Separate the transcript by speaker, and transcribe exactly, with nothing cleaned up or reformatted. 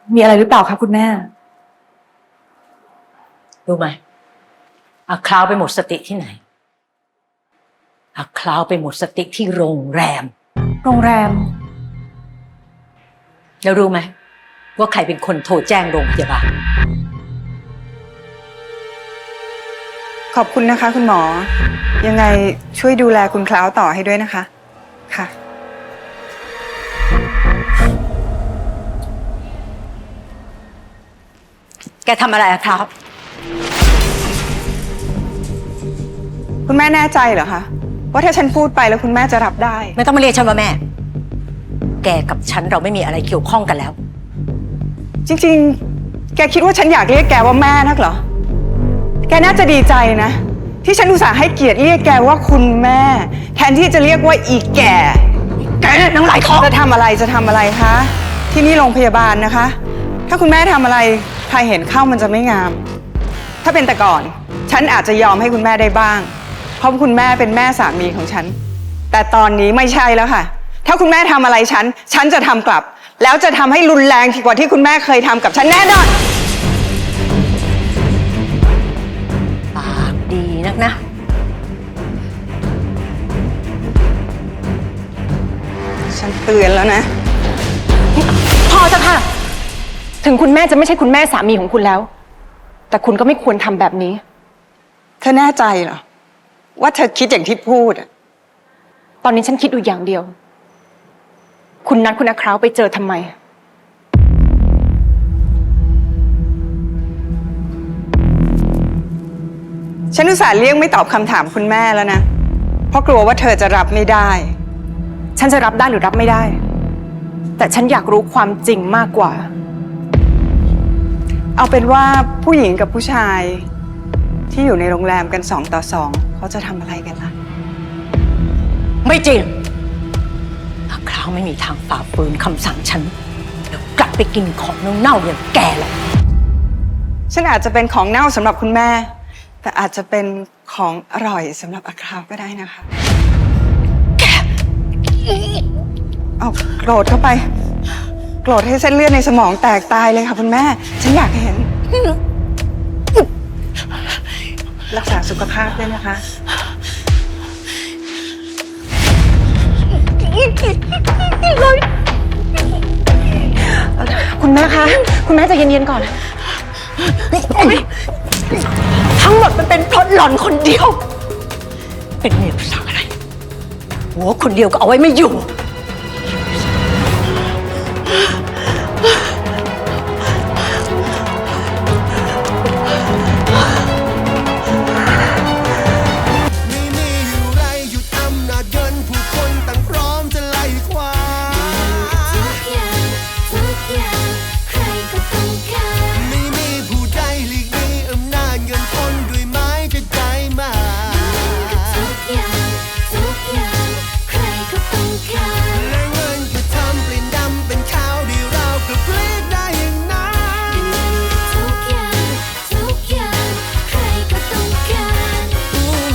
Speaker 1: มีอะไรหรือเปล่าคะคุณแม่
Speaker 2: รู้ไหมอาคราวไปหมดสติที่ไหนอาคราวไปหมดสติที่โรงแรม
Speaker 1: โรงแรม
Speaker 2: แล้วรู้ไหมว่าใครเป็นคนโทรแจ้งโรงพยาบาล
Speaker 3: ขอบคุณนะคะคุณหมอยังไงช่วยดูแลคุณคล้าวต่อให้ด้วยนะคะค่ะ
Speaker 2: แกทำอะไรอะครับ
Speaker 3: คุณแม่แน่ใจเหรอคะว่าถ้าฉันพูดไปแล้วคุณแม่จะรับได้
Speaker 2: ไม่ต้องมาเรียกฉันว่าแม่แกกับฉันเราไม่มีอะไรเกี่ยวข้องกันแล้ว
Speaker 3: จริงๆแกคิดว่าฉันอยากเรียกแกว่าแม่นักเหรอแกน่าจะดีใจนะที่ฉันอุตส่าห์ให้เกียรติเรียกแกว่าคุณแม่แทนที่จะเรียกว่าอีแก่
Speaker 2: แกนังไหลท้อง
Speaker 3: จะทำอะไรจะทำอะไรคะที่นี่โรงพยาบาลนะคะถ้าคุณแม่ทำอะไรใครเห็นเข้ามันจะไม่งามถ้าเป็นแต่ก่อนฉันอาจจะยอมให้คุณแม่ได้บ้างเพราะคุณแม่เป็นแม่สามีของฉันแต่ตอนนี้ไม่ใช่แล้วค่ะถ้าคุณแม่ทำอะไรฉันฉันจะทำกลับแล้วจะทำให้รุนแรงกว่าที่คุณแม่เคยทำกับฉันแน่นอน
Speaker 2: ปากดีนักนะ
Speaker 3: ฉันเตือนแล้วนะ
Speaker 1: พอจะค่ะถึงคุณแม่จะไม่ใช่คุณแม่สามีของคุณแล้วแต่คุณก็ไม่ควรทำแบบนี้
Speaker 3: เธอแน่ใจเหรอว่าเธอคิดอย่างที่พูดอะ
Speaker 1: ตอนนี้ฉันคิดอยู่อย่างเดียวคุณนัดคุณอาคราวไปเจอทำไม
Speaker 3: ฉันอุตส่าห์เลี่ยงไม่ตอบคำถามคุณแม่แล้วนะเพราะกลัวว่าเธอจะรับไม่ได้
Speaker 1: ฉันจะรับได้หรือรับไม่ได้แต่ฉันอยากรู้ความจริงมากกว่า
Speaker 3: เอาเป็นว่าผู้หญิงกับผู้ชายที่อยู่ในโรงแรมกันสองต่อสองเขาจะทำอะไรกันล่ะ
Speaker 2: ไม่จริงอาคราวไม่มีทางฝ่าฝืนคำสั่งฉันเดี๋ยวกลับไปกินของเน่าๆอย่างแกหรอก
Speaker 3: ฉันอาจจะเป็นของเน่าสำหรับคุณแม่แต่อาจจะเป็นของอร่อยสำหรับอาคราวก็ได้นะคะ
Speaker 2: แก
Speaker 3: เอาโกรธเข้าไปโกรธให้เส้นเลือดในสมองแตกตายเลยค่ะคุณแม่ฉันอยากเห็นรักษาสุขภาพด้วยนะคะ
Speaker 1: คุณแม่คะคุณแม่ใจเย็นๆก่อน
Speaker 2: ทั้งหมดมันเป็นเพราะหล่อนคนเดียวเป็นเมียภาษาอะไรหัวคนเดียวก็เอาไว้ไม่อยู่